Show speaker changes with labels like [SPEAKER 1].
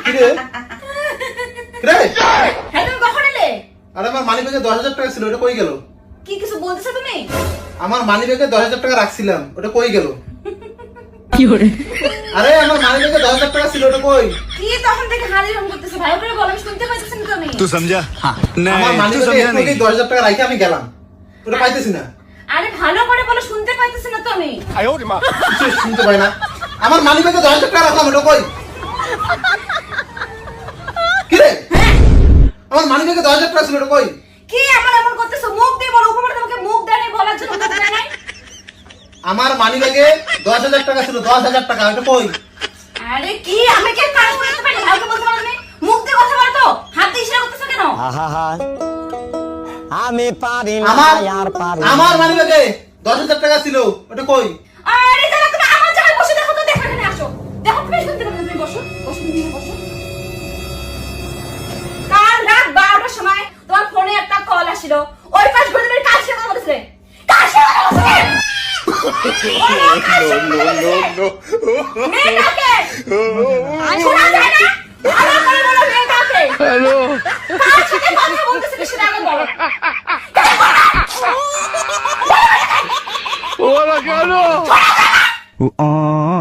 [SPEAKER 1] কিরে রে
[SPEAKER 2] হ্যাঁ তুমি কখন এলে?
[SPEAKER 1] আরে আমার মানি ব্যাগে 10,000 টাকা ছিল, ওটা কই গেল?
[SPEAKER 2] কি কিছু বলতেছো তুমি?
[SPEAKER 1] আমার মানি ব্যাগে 10,000 টাকা রাখছিলাম, ওটা কই গেল?
[SPEAKER 2] কি করে?
[SPEAKER 1] আরে আমার মানি ব্যাগে 10,000 টাকা ছিল, ওটা কই?
[SPEAKER 2] কি তখন থেকে হালি রং করতেছো? ভালো করে বলো, আমি শুনতে পাইতেছি না তুমি।
[SPEAKER 3] तू समझा हाँ
[SPEAKER 1] আমার
[SPEAKER 3] नहीं
[SPEAKER 1] মানি
[SPEAKER 3] तू
[SPEAKER 1] ব্যাগে
[SPEAKER 3] समझा
[SPEAKER 1] একটু
[SPEAKER 3] नहीं
[SPEAKER 1] 10,000 টাকা রাখি আমি গেলাম, ওটা পাইতেছি না।
[SPEAKER 2] আরে ভালো করে বলো, শুনতে পাইতেছি না তুমি।
[SPEAKER 1] কিছু শুনতে পাই না। আমার মানি ব্যাগে 10,000 টাকা রাখলাম, ওটা কই? কিরে আমার মানি ব্যাগে 10,000 টাকা ছিল, ওটা কই?
[SPEAKER 2] কি আমার এমন করতেছো? মুখ দিয়ে বলো, উপরে তোমাকে মুখ দেয় নাই বলার জন্য মুখ দেয় নাই।
[SPEAKER 1] আমার মানি ব্যাগে 10,000 টাকা ছিল, 10,000 টাকা, ওটা কই?
[SPEAKER 2] আরে কি আমি কি কাজ করতে পারি? ভালো বলতে পারো তুমি? মুখ দিয়ে কথা বলো তো, হাত দিয়ে ইশারা করতেছো কেন?
[SPEAKER 4] আমি পারি না
[SPEAKER 1] আমার
[SPEAKER 4] আর পারি
[SPEAKER 1] আমার মানি ব্যাগে 10,000 টাকা ছিল, ওটা কই?
[SPEAKER 2] আরে দাঁড়া, তুমি আমার জায়গায় বসে দেখো তো, দেখো এখানে আসো। দেখো তুমি শুনতে পারো না, তুমি বসো বসো, তুমি বসো। কাল রাত 12টার সময় তোমার ফোনে একটা কল আসছিল, ওই পাশ ঘুরে তুমি কার সাথে কথা বলছিলে? কার সাথে কথা বলছিলে? মেয়েটাকে শোনা যায় না? ভালো করে বলো মেয়েটাকে। কার সাথে কথা বলতেছিলে সেটা আগে বলো।
[SPEAKER 3] बोला क्या लो